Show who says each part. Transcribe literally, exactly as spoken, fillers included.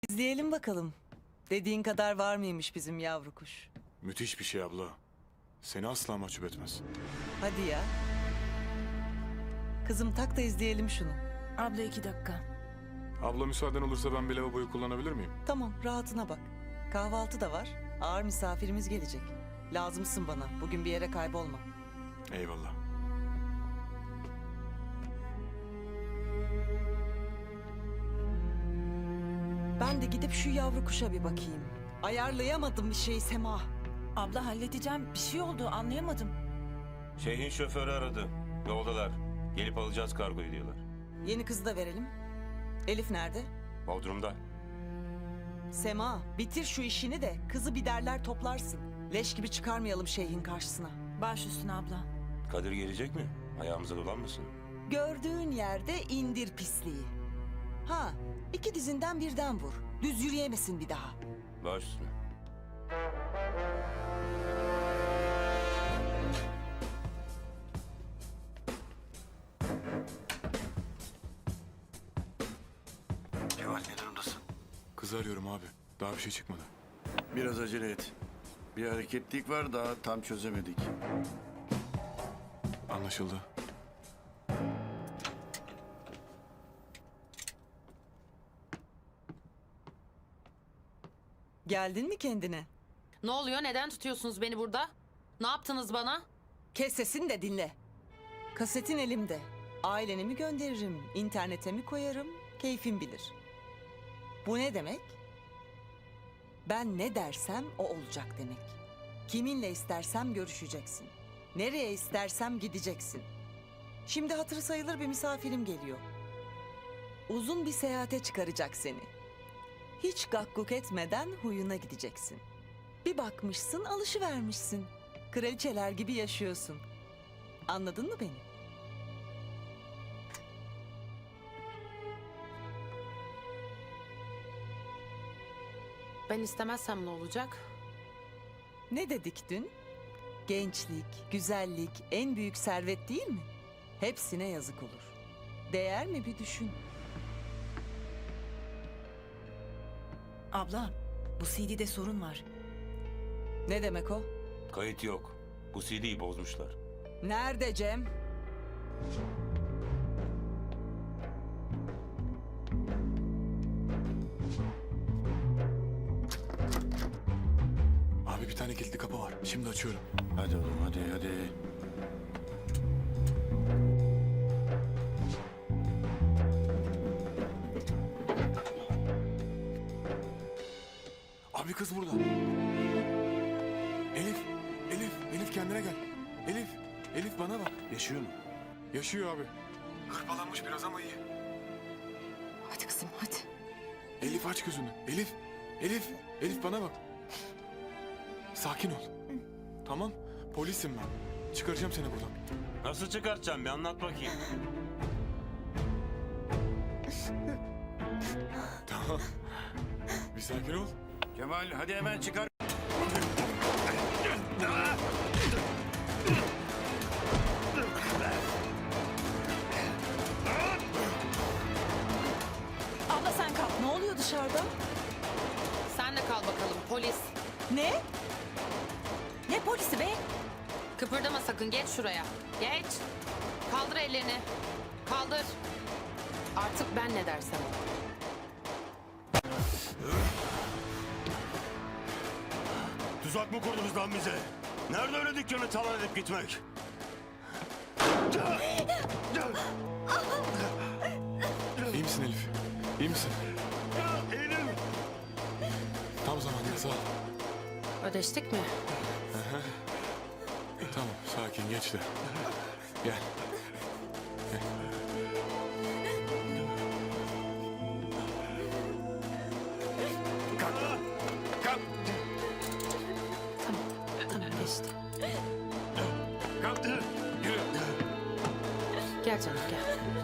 Speaker 1: İzleyelim bakalım. Dediğin kadar var mıymış bizim yavru kuş?
Speaker 2: Müthiş bir şey abla. Seni asla mahcup etmez.
Speaker 1: Hadi ya. Kızım tak da izleyelim şunu.
Speaker 3: Abla iki dakika.
Speaker 2: Abla müsaaden olursa ben bir lavaboyu kullanabilir miyim?
Speaker 1: Tamam, rahatına bak. Kahvaltı da var. Ağır misafirimiz gelecek. Lazımsın bana. Bugün bir yere kaybolma.
Speaker 2: Eyvallah.
Speaker 1: Ben de gidip şu yavru kuşa bir bakayım. Ayarlayamadım bir şey Sema.
Speaker 3: Abla halledeceğim. Bir şey oldu anlayamadım.
Speaker 4: Şeyhin şoförü aradı. Yoldalar. Gelip alacağız kargoyu diyorlar.
Speaker 1: Yeni kızı da verelim. Elif nerede?
Speaker 4: Bodrum'da.
Speaker 1: Sema, bitir şu işini de kızı bir derler toplarsın. Leş gibi çıkarmayalım şeyhin karşısına.
Speaker 3: Baş üstüne abla.
Speaker 4: Kadir gelecek mi? Ayağımıza dolanmasın.
Speaker 1: Gördüğün yerde indir pisliği. Ha, iki dizinden birden vur. Düz yürüyemesin bir daha.
Speaker 4: Baş üstüne.
Speaker 5: Kemal ne durumdasın?
Speaker 2: Kızı arıyorum abi. Daha bir şey çıkmadı.
Speaker 5: Biraz acele et. Bir hareketlik var daha tam çözemedik.
Speaker 2: Anlaşıldı.
Speaker 1: Geldin mi kendine?
Speaker 6: Ne oluyor? Neden tutuyorsunuz beni burada? Ne yaptınız bana?
Speaker 1: Kes sesini de dinle. Kasetin elimde. Aileni mi gönderirim, internete mi koyarım, keyfin bilir. Bu ne demek? Ben ne dersem o olacak demek. Kiminle istersem görüşeceksin. Nereye istersem gideceksin. Şimdi hatırı sayılır bir misafirim geliyor. Uzun bir seyahate çıkaracak seni. Hiç gakkuk etmeden huyuna gideceksin. Bir bakmışsın alışıvermişsin. Kraliçeler gibi yaşıyorsun. Anladın mı beni?
Speaker 6: Ben istemezsem ne olacak?
Speaker 1: Ne dedik dün? Gençlik, güzellik en büyük servet değil mi? Hepsine yazık olur. Değer mi bir düşün.
Speaker 3: Abla bu C D'de sorun var.
Speaker 1: Ne demek o?
Speaker 4: Kayıt yok. Bu C D'yi bozmuşlar.
Speaker 1: Nerede Cem?
Speaker 2: Abi bir tane kilitli kapı var. Şimdi açıyorum.
Speaker 5: Hadi oğlum hadi hadi.
Speaker 2: Abi kız burada. Elif, Elif, Elif kendine gel. Elif, Elif bana bak.
Speaker 5: Yaşıyor mu?
Speaker 2: Yaşıyor abi. Hırpalanmış biraz ama iyi.
Speaker 3: Hadi kızım hadi.
Speaker 2: Elif aç gözünü. Elif, Elif, Elif bana bak. Sakin ol. Tamam, polisim ben. Çıkaracağım seni buradan.
Speaker 4: Nasıl çıkartacağım bir anlat bakayım.
Speaker 2: Tamam. Bir sakin ol.
Speaker 5: Kemal hadi hemen çıkar.
Speaker 3: Abla sen kalk.
Speaker 1: Ne oluyor dışarıda?
Speaker 6: Sen de kal bakalım polis.
Speaker 1: Ne?
Speaker 3: Ne polisi be?
Speaker 6: Kıpırdama sakın, geç şuraya. Geç. Kaldır ellerini. Kaldır. Artık ben ne dersem o.
Speaker 4: Tuzak mı kurdunuz lan bize? Nerede öyle dükkanı talan edip gitmek?
Speaker 2: İyi misin Elif? İyi misin?
Speaker 4: Eğilim.
Speaker 2: Tam zamanında sağ ol.
Speaker 6: Ödeştik mi?
Speaker 2: Tamam, sakin geçti. Gel. Gel.
Speaker 5: Kalk.
Speaker 6: Tamam geçti.
Speaker 5: Kalk. Yürü.
Speaker 6: Gel canım gel.